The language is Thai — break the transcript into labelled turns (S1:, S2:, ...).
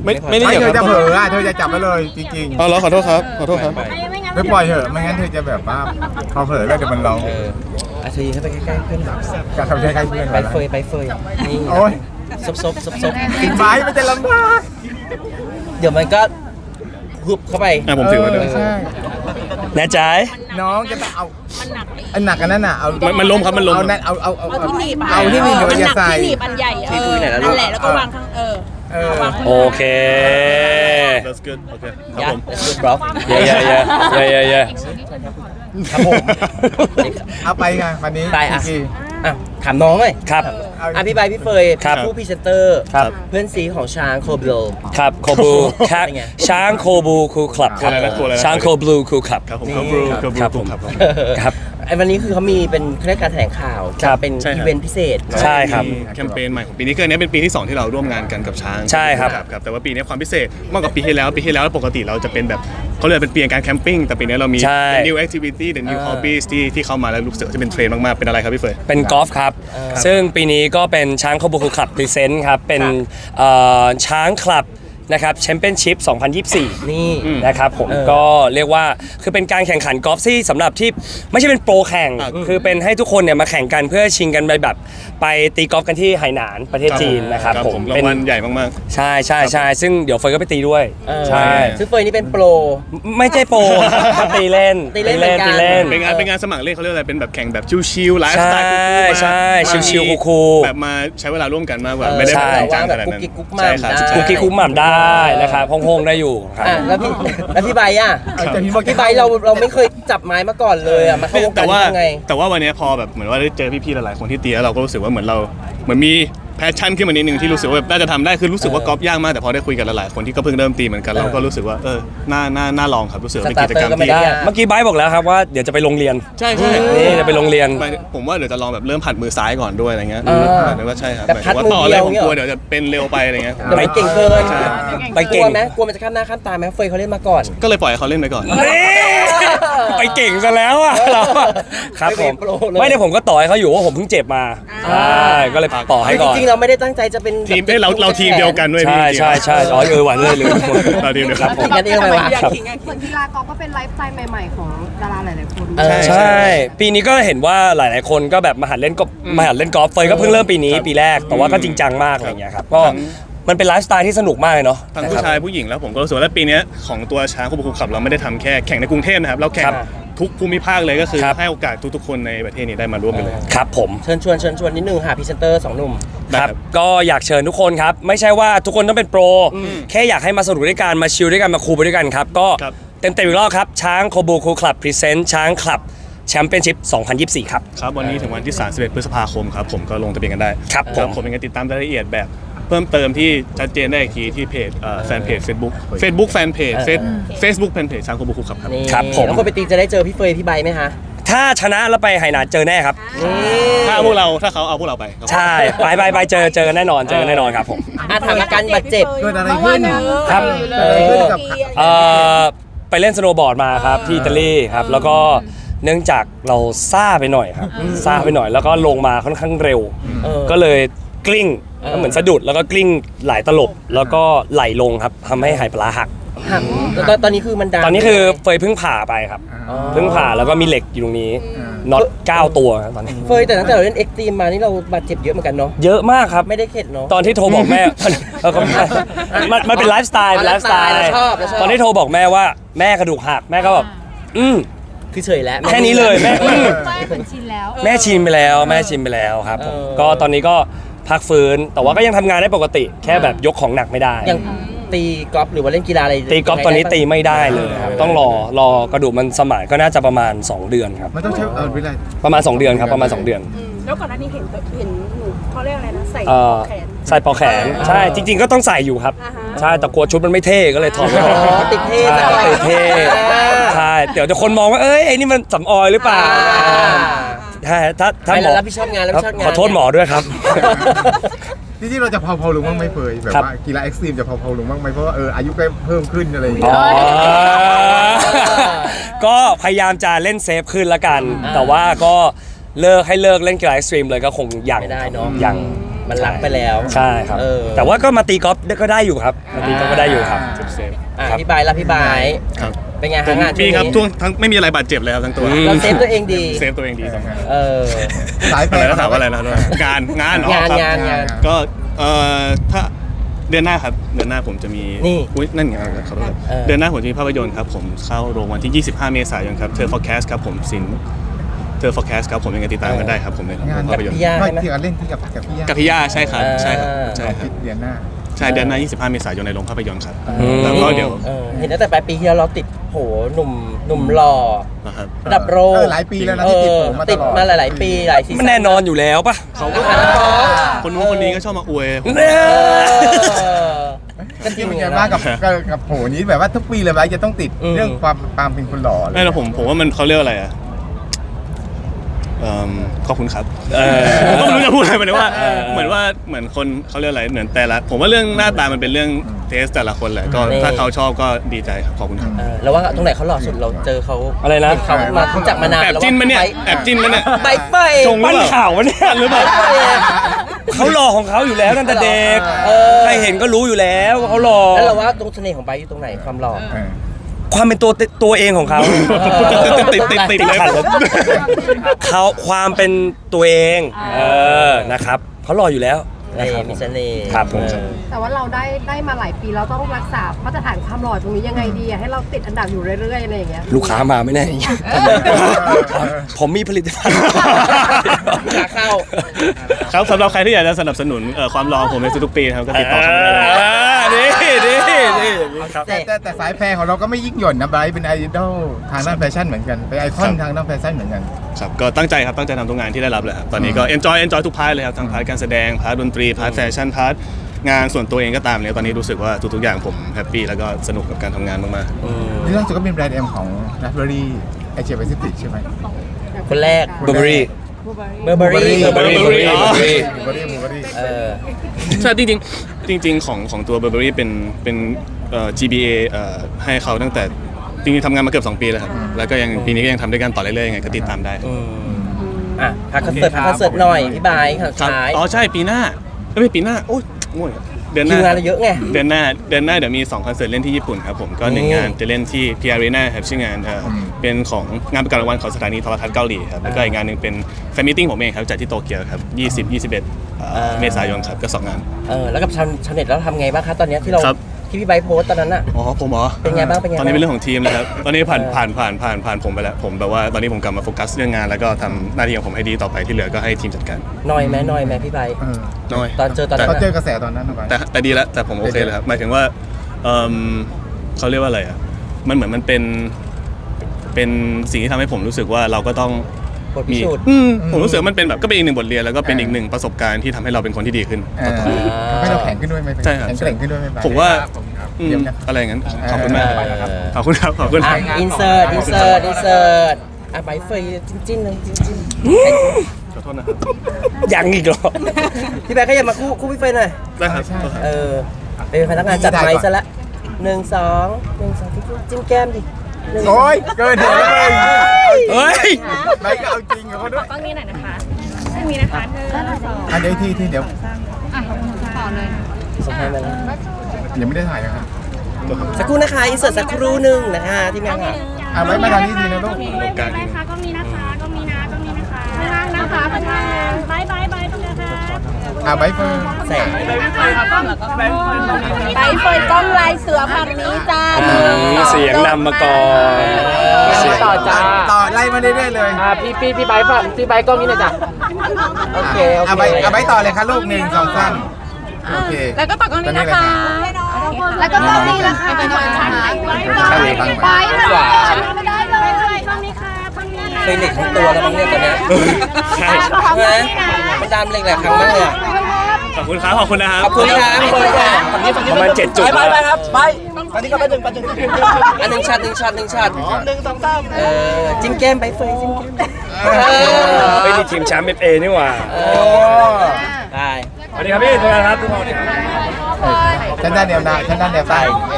S1: ไม่ได้
S2: ไม่
S1: เกี่ยว
S2: เธอจะ
S1: กับ
S2: เผลอเธอจะจับไปเลยจริง
S1: อ๋อเหรอขอโทษครับขอโทษครับ
S2: ๆไม่ปล่อยเถอะไม่งั้นเธอจะแบบว่าพอเผลอแล้วเดี๋ยวมันร้อง
S3: เธอยืนเข้าไปใกล้ๆเพื่อนแบบ
S2: จะทำใกล้ๆเพื่อน
S3: ใบเฟยนี่
S2: โอ้ย
S3: ซบ
S2: ไม้มันจะลำบาก
S3: เดี๋ยวมันก็ฮึบเข้าไป
S1: ผมถือไว้ด้วย
S2: ใช่
S4: แน่ใจ
S2: น้องจะต้องเอาอันหนักอันนั้นน่ะเอา
S1: มันล้มครับมันล้ม
S2: เอานั่นเอา
S5: เอาที่หนีบ
S2: เอาที่หนีบเดี๋ยวมันจะใส่
S5: ที่หนีบอันใหญ่นั่นแหละแล้วก็วางข้างวางข้าง
S4: โอเค
S1: That's good โอเคครับ
S3: ยั
S1: ผ
S3: ด
S1: ม
S3: บล็อก
S4: เย่
S3: ครับผม
S2: เอาไปไงวันนี้
S3: ไปอ่ะ
S2: กี่
S3: ถามน้องเลย
S4: ครับ
S3: พี่ใบพี่เฟย
S4: ครับ
S3: ผู้พรีเซนเตอร์
S4: ครับ
S3: เพื่อนซีของช้างโคเบล
S4: ครับโคบูครับ
S3: เป็นไง
S4: ช้างโคบูคูคลับครับ
S1: อะไรนะอะไรนะ
S4: ช้างโคบลูคูคลับ
S1: ครับผมครับบรูครับ
S4: ครับผม
S1: ครับ
S4: ครับ
S3: ไอ้วันนี้คือเขามีเป็นเครื่องการแถลงข่าว
S4: ครับ
S3: เป็น
S1: ใช่ครับ
S3: อีเวนต์พิเศษ
S4: ใช่ครับ
S1: มีแคมเปญใหม่ของปีนี้คืออันนี้เป็นปีที่ 2 ที่เราร่วมงานกันกับช้าง
S4: ใช่ครับ
S1: ครับแต่ว่าปีนี้ความพิเศษมากกว่าปีที่แล้วปกติเราจะเป็นแบบเขาเรียกเป็นปีการแคมปิ้งแต่ปีนี้เรามี
S4: ใช่
S1: the new activity the new hobbies ที่เข้ามาแล้วรู้สึกว่าจะเป็นเทรนด์มากๆเป็นอะไรครับพี่เฟย
S4: เป็นกอล์ฟครับ ซึ่งปีนี้ก็เป็นช้างโคบูคูคลับพรีเซนต์ครับ เป็นช้างคลับนะครับแชมเปี้ยนชิพ 2024
S3: นี่
S4: นะครับผมก็เรียกว่าคือเป็นการแข่งขันกอล์ฟที่สำหรับที่ไม่ใช่เป็นโปรแข่ง คือเป็นให้ทุกคนเนี่ยมาแข่งกันเพื่อชิงกันไปแบบไปตีกอล์ฟกันที่ไหหนานประเทศจีนนะครับผม
S1: รางวัลใหญ่มาก
S4: ใช่ซึ่งเดี๋ยวเฟยก็ไปตีด้วย ใช่
S3: ซึ่งเฟยนี่เป็นโปร
S4: ไม่ใช่โปรครับตีเล่น
S3: ตีเล่นเหมือนกัน
S4: ตีเล่น
S1: ๆเป็นงานสมัครเล่นเขาเรียกอะไรเป็นแบบแข่งแบบชิลๆไลฟ์สไตล์
S4: ใช่ชิลๆคูลๆ
S1: แบบมาใช้เวลาร่วมกันมากกว่าไม่ได้
S4: ใช่
S1: แบบจ้างขนาด
S3: กุ๊
S1: นั้
S3: ก
S1: น
S3: กิ๊กกุ๊ก
S1: ใช่
S3: ม่ำ
S1: ครับ
S3: ได้
S4: คุกกี้คุกหม่ำได้นะครับโฮงๆได้อยู่ครับ
S3: แล้วพี่ใบอ่ะ พี่ใบเราไม่เคยจับไม้มาก่อนเลยอ่ะมาเข้าวงการได้ยังไง
S1: แต่ว่าวันนี้พอแบบเหมือนว่าได้เจอพี่ๆหลายๆคนที่ตีแล้วเราก็รู้สึกว่าเหมือนมีแพชชั่นขึ้นมานิดนึงที่รู้สึกว่าแบบน่าจะทำได้คือรู้สึกว่ากอล์ฟยากมากแต่พอได้คุยกับหลายๆคนที่ก็เพิ่งเริ่มตีเหมือนกันเราก็รู้สึกว่าน่าลองครับรู้สึกว่าเป็นกิจกรรม
S3: สตาร์เตอร์ก็ไม่
S1: ที่
S3: ได้
S4: เมื่อกี้ไบร์ทบอกแล้วครับว่าเดี๋ยวจะไปโรงเรียน
S1: ใช่
S4: นี่จะไปโรงเรียน
S1: ผมว่าเดี๋ยวจะลองแบบเริ่มผัดมือซ้ายก่อนด้วยอะไรเงี้ยหมายถึงว่าใช่ครับ
S3: แบบ
S1: หมายถึงว่าต่อ
S3: พัดมือ
S1: อะไร
S3: เดียว
S1: ผมกลัวเดี๋ยวจะเป็นเร็วไปอะไรเงี้ย
S3: เดี๋ยวมันเก่งเกิน
S1: ใช่
S4: ไป
S3: ก
S4: เก่
S3: ลั
S4: ง
S3: วไหมกลัวมันจะข้ามหน้าข้ามตาไหมเฟยเขาเล่นมาก่อน
S1: ก็เลยปล่อยให้เขาเล่นไปก่อน
S4: นี่ไปเก่งซะแล้วอะเราครับผม
S3: ไม่เป็นโปรเลย
S4: ไม่ได้ผมก็ต่อให้เขาอยู่ว่าผมเพิ่งเจ็บมาใช่ก็เลยต่อให้ก่อน
S3: จริงๆเราไม่ได้ตั้งใจจะเป็น
S1: ทีมเราทีมเดียวกันด้วยพี่
S4: ใช่อ๋อหวานเลยลืม
S1: เราทีมเดียว
S4: ค
S1: กั
S4: รั
S1: น
S4: บผม
S3: กันเองไหมวะ
S4: ครับ
S5: ส่วนกีฬากอล์ฟก็เป็นไลฟ์สไตล์ใหม่ๆของดาราหลายๆคน
S4: ใช่ ปีนี้ก็เห็นว่าหลายๆคนก็แบบมาหัดเล่นกอล์ฟเฟยก็เพิ่งเริ่มปีนี้ปีแรกแต่ว่าก็จริงจังมากอะไรอย่างเงี้ยครับก็มันเป็นไลฟ์สไตล์ที่สนุกมากเลยเนาะ
S1: ทั้งผู้ชายผู้หญิงแล้วผมก็รู้สึกว่าปีนี้ของตัวช้างคู่บุกขับเราไม่ได้ทำแค่แข่งในกรุงเทพนะครับเราแข่งทุกภูมิภาคเลยก็คือให้โอกาสทุกๆคนในประเทศนี้ได้มาร่วมกันเลย
S4: ครับผม
S3: เชิญชวนนิดนึงค่ะพรีเซนเตอร์2หนุ่ม
S4: ครับก็อยากเชิญทุกคนครับไม่ใช่ว่าทุกคนต้องเป็นโปรแค่อยากให้มาสนุกด้วยกันมาชิลด้วยกันมาคูลไปด้วยกันครับก็เต็มอีกรอบครับช้างโคบูคูคลับพรีเซนต์ช้างคลับแชมเปี้ยนชิพ 2024 ครับ
S1: ครับวันนี้ถึงวันที่31พฤษภาคมครับผมก็ลงทะเบียนกันได้
S4: ครับผม
S1: ยังไงติดตามรายละเอียดแบบเพิ่มเติมที่ชัดเจนได้อีกทีที่เพจแฟนเพจ Facebook แฟนเพจ Facebook แฟนเพจช้างคู่บุกขับครับ
S3: นี่
S4: ครับผม
S3: แล้วคนไปตีจะได้เจอพี่เฟยพี่ใบไหมคะ
S4: ถ้าชนะแล้วไปไหหนานเจอแน่ครับ
S1: ถ้าเขาเอาพวกเราไปครับ
S4: ใช่ไปเจอกันแน่นอนครับผม
S3: ถามอาการบาดเจ็บ
S2: เกิดอะไรขึ้น
S4: ครับ
S2: เกิดอะไรขึ้นกับ
S4: ไปเล่นสโนว์บอร์ดมาครับที่อิตาลีครับแล้วก็เนื่องจากเราซ่าไปหน่อยครับซ่าไปหน่อยแล้วก็ลงมาค่อนข้างเร็ว ก็เลยกลิ้งเหมือนสะดุดแล้วก็กลิ้งหลายตลบแล้วก็ไหลลงครับทำให้หายปลาหัก
S3: แล้วตอนนี้คือมันดัง
S4: ตอนนี้คือเฟยเพิ่งผ่าไปครับเพิ่งผ่าแล้วก็มีเหล็กอยู่ตรงนี้น็อต9 ตัวครับตอนนี้
S3: เฟยแต่ตั้งแต่เราเล่นเอ็กซ์ตรีมมานี่เราบาดเจ็บเยอะเหมือนกันเนาะ
S4: เยอะมากครับ
S3: ไม่ได้เข็ดเนาะ
S4: ตอนที่โทรบอกแม่ ก็ไม่ใช่มันเป็นไลฟ์สไตล์
S3: อ๋อ
S4: ไลฟ์สไตล์
S3: เราชอบ
S4: ตอนที่โทรบอกแม่ว่าแม่กระดูกหักแม่ก็แบบ
S3: คือเฉยแล้ว
S4: แค่นี้เลยแม่
S5: เหมือนชินแล้ว
S4: แม่ชิมไปแล้วครับผมก็ตอนนี้ก็พักฟื้นแต่ว่าก็ยังทำงานได้ปกติ แค่แบบยกของหนักไม่ได้
S3: อย่างตีกอล์ฟหรือว่าเล่นกีฬาอะไร
S4: ตีกอล์ฟตอนนี้ตีไม่ได้เลยครับต้องรอกระดูกมันสมานก็น่าจะประมาณ2 เดือนครับ
S2: มันต้องใช้เวลา
S4: ประมาณ2 เดือนครับประมาณ2 เดือน
S5: แล้วก่อนหน้านี้เห็นหนูเขาเรียกอะไรนะใส่ แขน
S4: ใส่ปลอกแขนใช่จริง ๆก็ต้องใส่อยู่ครับ
S5: อ่าฮะ
S4: ใช่แต่กลัวชุดมันไม่เท่ก็เลยถอดไม่ออก
S3: ติดเท่
S4: ใช่ติดเท่ใช่เดี๋ยวคนมองว่าเอ้ยไอ้นี่มันสำออยหรือเปล่าใช่ถ้าหมอ
S3: รับผิดชอบงานรับผิดชอบงาน
S4: ขอโทษหมอด้วยครับ
S2: จริงๆเราจะเผาลงบ้างไหมเฟยแบบ
S4: ครับ
S2: ว่ากีฬาเอ็กซ์ตรีมจะเผาลงบ้างไหมเพราะว่าอายุก็เพิ่มขึ้นอะไรอย่างเงี้
S4: อ๋
S2: ย
S4: อก็พยายามจะเล่นเซฟขึ้นละกัน แต่ว่าก็เลิกเล่นกีฬาเอ็กซ์ตรีมเลยก็คงยัง
S3: ไม่ได้เนาะ
S4: ยัง
S3: มันรักไปแล้ว
S4: ใช่ครับ แต่ว่าก็มาตีกอล์ฟก็ได้อยู่ครับมาตีกอล์ฟก็ได้อยู่ครับ
S1: เซฟ
S3: อ่ะพี่ไบร์ทแล้วพี่ไบร์ท
S1: ครับ
S3: เป็นไง
S1: ผ
S3: ฮะ
S1: ม
S3: งาน
S1: มีครับ
S3: ช่วง
S1: ทั้งไม่มีอะไรบาดเจ็บเลยครับทั้งตัว
S3: เราเซฟตัวเองดี
S1: เซฟตัวเองดีครับ
S3: เออ
S2: สายแฟ
S1: อะไร
S2: น
S1: นะถามว่าอะไรนะงานอ๋อครับ
S3: งาน
S1: ก็ถ้าเดือนหน้าครับเดือนหน้าผมจะมี
S3: นี่
S1: อุ๊ยนั่นไงขอโทษครับ เดือนหน้าผมจะมีภาพยนตร์ครับผมเข้าโรงวันที่ 25 เมษายนครับเธอ forecast ครับผมสินเธอ forecast ครับผมยังไงติดตามกันได้ครับผมใน
S2: งาน
S1: ภาพยนตร์
S3: พี่ย่า
S2: ไม่
S3: ใช่ไหม
S2: ที่เล่นที่กับพี่ย่า
S1: กับพี่ย่าใช่ครับใช่ครับใช่ครับ
S2: เดือนหน้า
S1: ใช่เดือนหน้า 25 เมษายนในโรงภาพยนตร์ครับ
S4: อืม
S1: แล้วก็เดี๋ยว
S3: เห็นตั้งแต่ปลายปีที่แล้วเราติดโหหนุ่มหล่อ
S1: นะครับ
S3: ระดับโลก
S2: หลายปีแล้วนะที่ติดผมมาต
S3: ติด
S2: ลอด
S3: มาหลาย ๆ ปีหลายซีซั่น
S4: มันแน่นอนอยู่แล้วปะ
S1: เขาก็คนนู้นคนนี้ก็ชอบมาอวยผม
S4: เนี่ย
S3: ก็จริง
S2: เป็น
S3: ไง
S2: ไงบ้างกับโหนี้แบบว่าทุกปีเลยไหมจะต้องติดเรื่องความเป็นคนหล่อเลย
S1: ไม่แล้วผมว่ามันเขาเรียกอะไรอ่ะขอบคุณครับผมก็ไม่รู้จะพูดอะไรไปเลยว่าเหมือนคนเขาเรียกอะไรเหมือนแต่ละผมว่าเรื่องหน้าตามันเป็นเรื่องเทสแต่ละคนแหละก็ถ้าเขาชอบก็ดีใจครับขอบคุณครับ
S3: แล้วว่าตรงไหนเขาหล่อสุดเราเจอเขา
S4: อะไรนะ
S3: เห็เขามารู้จักมานาน
S1: แอบจิ้นมันเนี่ยแอบจิ้นมันเนี่ย
S3: ใบเฟย
S1: จง
S4: ปั้นข่าววะเนี่ยหรือเปล่าเขาหล่อของเขาอยู่แล้วตั้งแต่เด็กใครเห็นก็รู้อยู่แล้วว่าเขาหล่อ
S3: แล้วเราว่าตรงเสน่ห์ของใบอยู่ตรงไหนความหล่อ
S4: ความเป็นตัวเองของเขา
S1: ติดเลย
S4: ขัดเลยเขาความเป็นตัวเองนะครับเขาหล่ออยู่แล้วนะครับ
S3: มีเสน่ห์
S4: ครับผม
S5: แต่ว่าเราได้มาหลายปีเราต้องรักษามาตรฐานความหล่อตรงนี้ยังไงดีอะให้เราติดอันดับอยู่เรื่อยๆอะไรอย่างเงี้ย
S4: ลูกค้ามาไม่แน่ผมมีผลิตภัณฑ์
S3: ขาเข้า
S1: ครับสำหรับใครที่อยากจะสนับสนุนความรอผมในทุกๆปีนะครับก็ติดต่อเข้ามาได้
S4: นี่ครับ
S2: แต่สายแฟร์ของเราก็ไม่ยิ่งหย่อนนะไบรท์เป็นไอดอลทางด้านแฟชั่นเหมือนกันเป็นไอคอนทางด้านแฟชั่นเหมือนกัน
S1: ครับก็ตั้งใจครับตั้งใจทำทุกงานที่ได้รับเลยครับตอนนี้ก็ enjoy ทุกพาร์ทเลยครับทั้งพาร์ทการแสดงพาร์ทดนตรีพาร์ทแฟชั่นพาร์ทงานส่วนตัวเองก็ตามเลยตอนนี้รู้สึกว่าทุกๆอย่างผมแฮปปี้แล้วก็สนุกกับการทำงานมาก
S2: นี่ล่าสุดก็เป็นแบรนด์เอ็มของ Raspberry Asia Pacific ใช่ไหม
S3: คนแรก
S4: เบอร์เบอรี่
S3: เบอร์เบอรี่
S4: Burberry
S2: บูเบอรี่
S1: ๆใช่จริงๆของตัว Burberry เป็นGBA ให้เขาตั้งแต่จริงๆทำงานมาเกือบ2 ปีแล้วครับแล้วก็ยังปีนี้ก็ยังทำด้วยกันต่อเรื่อยๆยังไงก็ติดตามได้
S3: อ่ะพักคอนเสิร์ตหน่อยพี่ไบร์ท
S1: ครับ
S3: ท้าย
S1: อ๋อใช่ปีหน้าไม่ปีหน้าโอ้ยง่วงเดือนห
S3: คิ
S1: น้าว
S3: งานเราเยอะไง
S1: เดือนหน้าเดี๋ยวมี2 คอนเสิร์ตเล่นที่ญี่ปุ่นครับผมก็1 งานจะเล่นที่ P Arena ครับชื่องานเป็นของงานประกาศรางวัลของสถานีโทรทัศน์เกาหลีครับแล้วก็อีกงานหนึ่งเป็นแฟนมิทติ้งผมเองครับจัดที่โตเกียวครับ20-21เมษายนครับก็2 งาน
S3: แล้วกับชาวเน็ตแล้วทำไงบ้างคะตอนเนี้ยที่เรา
S1: ครับ
S3: ที่พี่ไบร์ทโพสต์ตอนนั้นอ่ะ
S1: อ๋อผมเหรอ
S3: เป็นไงบ้างเป็นไงบ้าง
S1: ตอนนี้เป็นเรื่องของทีมเลยครับตอนนี้ผ่านผมไปแล้วผมแบบว่าตอนนี้ผมกลับมาโฟกัสเรื่องงานแล้วก็ทำหน้าที่ของผมให้ดีต่อไปที่เหลือก็ให้ทีมจัดการ
S3: น้อยไหมพี่ไบร์ท
S1: น้อย
S3: ตอนเจอตอนนั้น
S2: เขาเจอกระแสตอนนั้นเอาไว้
S1: แต่ดีแล้วแต่ผมโอเคเลยครับหมายถึงว่าเขาเรียกว่าอะไรอ่ะมันเหมือนมันเป็นสิ่งที่ทำให้ผมรู้สึกว่าเราก็ต้อง
S3: บทพิสูจน์
S1: ผมรู้สึกว่ามันเป็นแบบก็เป็นอีกหนึ่งบทเรียนแล้วก็เป็นอีกหนึ่งประสบการณ์ที่ทำให้เราเป็นคนที่ดีขึ้นต่อไป
S2: ให้เราแข็งขึ้นด้วยไหม
S1: ใช่ครับ
S2: แข็งแกร่งขึ้นด้วยไหม
S1: ผมว่า
S2: เยี่ยมนะ
S1: อะไรอย่างนั้นขอบคุณมาก
S3: เออ
S1: ขอบคุณครับขอบคุณ
S3: อินเสิร์ตอ่ะไบร์ทเฟยจิ้นเลยจิ้น
S1: ขอโทษนะครับ
S4: ยังอีกเหรอ
S3: พี่ไบร์ทก็อย่ามาคู่พี่เฟยหน่อย
S1: ได้ครับ
S3: เป็นพนักงานจัดไม้ซะละ1 2 จิ้มแก้มดิ1
S2: โอ้ยเกินเหตุเลย
S4: เฮ้ย
S2: ไบก็เอาจริงกับเขาด้วย
S5: กล้องนี้หน่อยนะคะตรงนี้นะคะ1 2
S2: อันเดี๋ยวที่เดี๋ยว
S5: ต่อเลย
S3: ส่งให้มาแล้ว
S2: ยังไม่ได้ถ่ายนะครับ
S3: สักครู่นะคะอินเสิร์ตสักครู่หนึ่งนะคะที่แม่ค่ะ
S2: ไว้มาทางนี้ทีนะลูก
S1: การ
S5: ได้ค่ะกล้องนี้นะคะกล้องนี้นะกล้องนี้นะคะข้างนะคะข้างบายตรงนี้ค่ะ
S2: ไบเฟิร์น
S3: แสง
S5: ใบเฟิร์นกล้องลายเสือฝั่งนี้จ้า
S4: เสียงนำมาก่อน
S3: ต่อจ้า
S2: ต่อไล่มาเรื่อยๆเลย
S3: พี่ไบร์ทฝั่งพี่ไบร์ทกล้องนี้หน่อยจ้ะโอเค
S2: เอาไบต่อเลยค่ะลูก1 2 3โอเค
S5: แล้วก็ต่อกล้องนี้นะคะแล้วก็กล้องนี้นะคะไปหน่อยใช่ไหมไปไม่ได้เลยกล้องนี้ค่ะกล้องนี้
S3: เคยเหล็กทั้งตัวแล้วมั้งเนี่ยตอนเนี้ย
S1: ใช่
S3: ใช่ไหมมันดามเหล็กแหละครั้งมากเลยอะ
S1: ขอบคุณครับขอบคุณนะครับ
S3: ขอบคุณครับขอบคุณครับ
S4: ประมาณ7 จุด
S3: ไปครับไปตอนนี้ก็ไปหนึ่งอันหนึ่งช็อต1 ช็อต1 2 3จิ้มแก้มไปเฟยจิ้มแก้ม
S4: ไม่มีทีมแชมป์ FA นี่หว่า
S3: ได้
S4: สวัสดีครับพี่ทุกคนครับทุกคน
S2: ฉันด้านแนวหน้าฉันด้านแนวใต้